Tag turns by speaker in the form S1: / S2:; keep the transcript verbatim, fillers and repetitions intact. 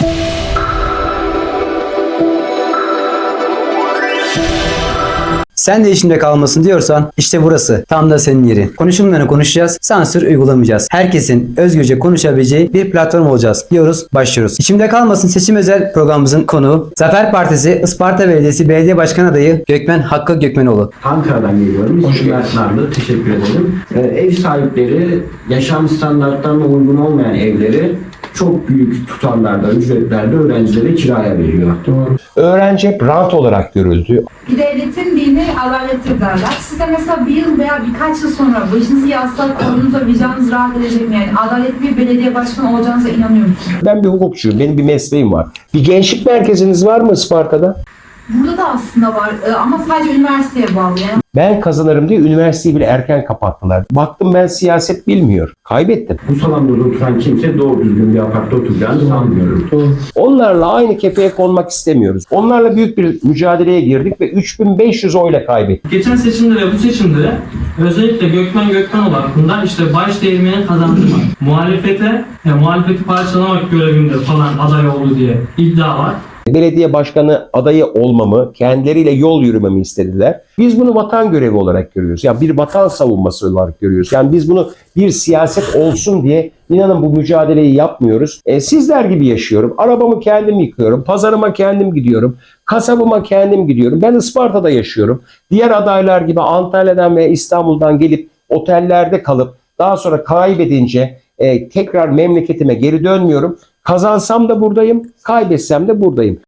S1: Sen de işimde kalmasın diyorsan işte burası tam da senin yerin. Konuşumlarını konuşacağız, sansür uygulamayacağız. Herkesin özgürce konuşabileceği bir platform olacağız diyoruz, başlıyoruz. İçimde kalmasın seçim özel programımızın konuğu Zafer Partisi Isparta Belediyesi Belediye Başkan Adayı Gökmen Hakkı Gökmenoğlu.
S2: Ankara'dan geliyorum. Hoş geldiniz. Teşekkür ederim. Ee, ev sahipleri yaşam standartlarına uygun olmayan evleri çok büyük tutarlarda, ücretlerde öğrencilere kiraya veriyor. Doğru.
S3: Öğrenci hep rant olarak görüldü.
S4: Bir devletin dini adalettir derler. Size mesela bir yıl veya birkaç yıl sonra başınızı yastığa koyduğunuzda vicdanınız rahat edecek mi? Yani adaletli bir belediye başkanı olacağınıza inanıyor musunuz?
S3: Ben bir hukukçuyum, benim bir mesleğim var. Bir gençlik merkeziniz var mı Isparta'da?
S4: Burada da aslında var ama sadece üniversiteye bağlı. Yani
S3: Ben kazanırım diye üniversiteyi bile erken kapattılar. Baktım ben siyaset bilmiyor. Kaybettim.
S2: Bu salonda oturan kimse doğru düzgün bir apartta oturacağını sanmıyorum.
S3: Onlarla aynı kefeye konmak istemiyoruz. Onlarla büyük bir mücadeleye girdik ve üç bin beş yüz oyla kaybettik.
S5: Geçen seçimde ve bu seçimde özellikle Gökmen Gökmenoğlu hakkında işte baş değirmeni kazandırmak, muhalefete, yani muhalefeti parçalamak görevinde falan aday oldu diye iddia var.
S3: Belediye başkanı adayı olmamı, kendileriyle yol yürümemi istediler. Biz bunu vatan görevi olarak görüyoruz. Yani bir vatan savunması olarak görüyoruz. Yani biz bunu bir siyaset olsun diye inanın bu mücadeleyi yapmıyoruz. E, sizler gibi yaşıyorum. Arabamı kendim yıkıyorum. Pazarıma kendim gidiyorum. Kasabıma kendim gidiyorum. Ben Isparta'da yaşıyorum. Diğer adaylar gibi Antalya'dan ve İstanbul'dan gelip otellerde kalıp daha sonra kaybedince e, tekrar memleketime geri dönmüyorum. Kazansam da buradayım, kaybetsem de buradayım.